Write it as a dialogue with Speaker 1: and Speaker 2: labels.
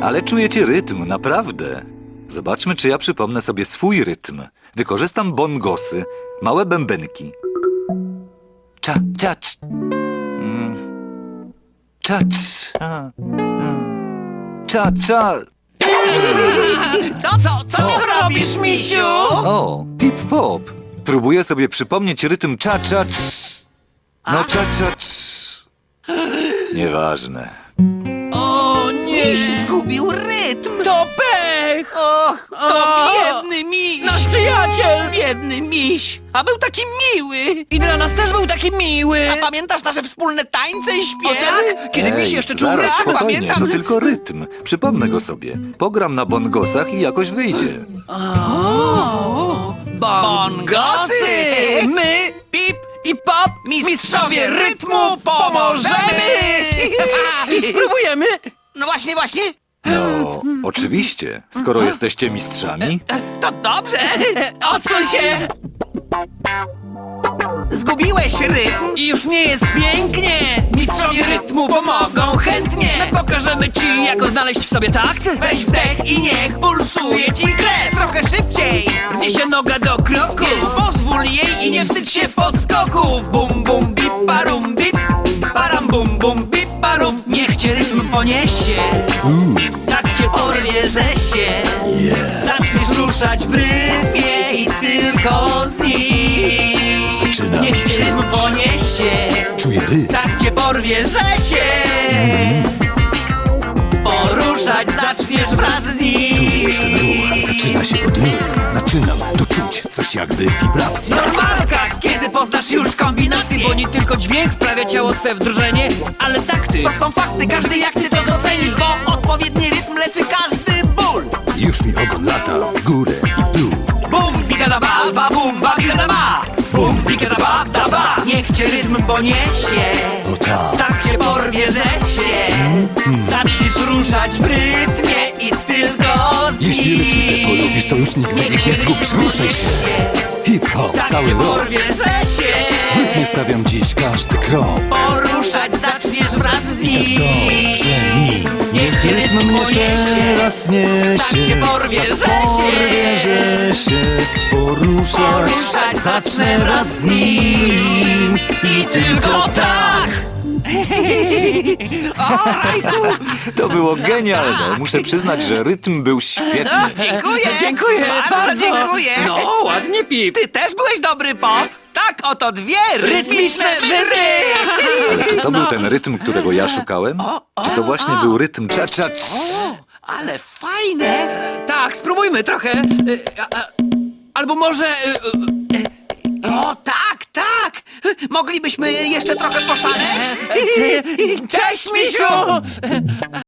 Speaker 1: Ale czujecie rytm, naprawdę. Zobaczmy, czy ja przypomnę sobie swój rytm. Wykorzystam bongosy, małe bębenki. Cza, cza, cz. Cza, cza. Cza, cza.
Speaker 2: Co ty robisz, misiu?
Speaker 1: O, pip-pop. Próbuję sobie przypomnieć rytm cza, cza, cz. No cza, cza, cz. Nieważne.
Speaker 2: O nie!
Speaker 3: Miś zgubił rytm!
Speaker 2: To pech!
Speaker 3: Och,
Speaker 2: To biedny miś!
Speaker 3: Nasz przyjaciel!
Speaker 2: Biedny miś!
Speaker 3: A był taki miły!
Speaker 2: I dla nas też był taki miły!
Speaker 3: A pamiętasz nasze wspólne tańce i
Speaker 2: O
Speaker 3: śpiewy?
Speaker 2: tak? Kiedy miś jeszcze czuł
Speaker 1: zaraz,
Speaker 2: rytm,
Speaker 1: spokojnie,
Speaker 2: pamiętam!
Speaker 1: to tylko rytm. Przypomnę go sobie. Pogram na bongosach i jakoś wyjdzie.
Speaker 3: Bongosy! My, Pip i Pop, mistrzowie rytmu, pomożemy!
Speaker 2: Spróbujemy!
Speaker 3: No właśnie!
Speaker 1: No, oczywiście, skoro jesteście mistrzami.
Speaker 3: To dobrze! Odsuń się! Zgubiłeś rytm
Speaker 2: I już nie jest pięknie!
Speaker 3: Mistrzowie rytmu pomogą chętnie.
Speaker 2: My pokażemy ci, jak odnaleźć w sobie takt!
Speaker 3: Weź wdech i niech pulsuje ci krew. Trochę szybciej,
Speaker 2: Rwie się noga do kroku!
Speaker 3: więc pozwól jej i nie wstydź się podskoków. Bum bum bip parum bip, param bum bum bip parum. Niech cię rytm poniesie, tak cię porwie, że się zaczniesz ruszać w rytmie i tylko z nim.
Speaker 1: Zaczynam
Speaker 3: Niech cię rytm poniesie,
Speaker 1: Czuję rytm.
Speaker 3: tak cię porwie, że się poruszać zaczniesz wraz z nim.
Speaker 1: Zaczyna się od nut. Zaczynam tu czuć coś jakby wibracja.
Speaker 3: Normalka, kiedy poznasz już kombinację.
Speaker 2: Bo nie tylko dźwięk wprawia ciało twe w drżenie, ale takty!
Speaker 3: To są fakty, każdy jak ty to doceni. Bo odpowiedni rytm leczy każdy ból.
Speaker 1: Już mi ogon lata w górę i w dół.
Speaker 3: Bum, bigada ba, ba, bum, ba, bigada ba. Bum, bigada ba, da ba. Niech cię rytm poniesie,
Speaker 1: O tak.
Speaker 3: tak cię porwie, że się zaczniesz ruszać w rytmie i tylko z nim.
Speaker 1: Jeśli rytm nie polubisz, to już nigdy ich nie zgubisz. Ruszaj się. Hip-hop
Speaker 3: Tak
Speaker 1: cały
Speaker 3: cię
Speaker 1: rok.
Speaker 3: porwie, że się
Speaker 1: W rytmie stawiam dziś każdy krok.
Speaker 3: poruszać zaczniesz wraz z nim.
Speaker 1: Dobrze mi.
Speaker 3: Niech cię rytm poniesie,
Speaker 1: teraz niesie.
Speaker 3: tak cię porwie, że
Speaker 1: Porwie,
Speaker 3: się
Speaker 1: że się poruszać
Speaker 3: zacznę wraz z nim. I tylko tak.
Speaker 1: To było genialne. Muszę przyznać, że rytm był świetny.
Speaker 3: Dziękuję, bardzo dziękuję.
Speaker 2: No, ładnie, Pip!
Speaker 3: Ty też byłeś dobry, Pop. Tak, oto dwie rytmiczne wyry.
Speaker 1: Czy to był ten rytm, którego ja szukałem? Czy to właśnie był rytm cza-cza?
Speaker 3: Ale fajne.
Speaker 2: Tak, spróbujmy trochę. Albo może...
Speaker 3: O, tak. Moglibyśmy jeszcze trochę poszaleć. Cześć, misiu.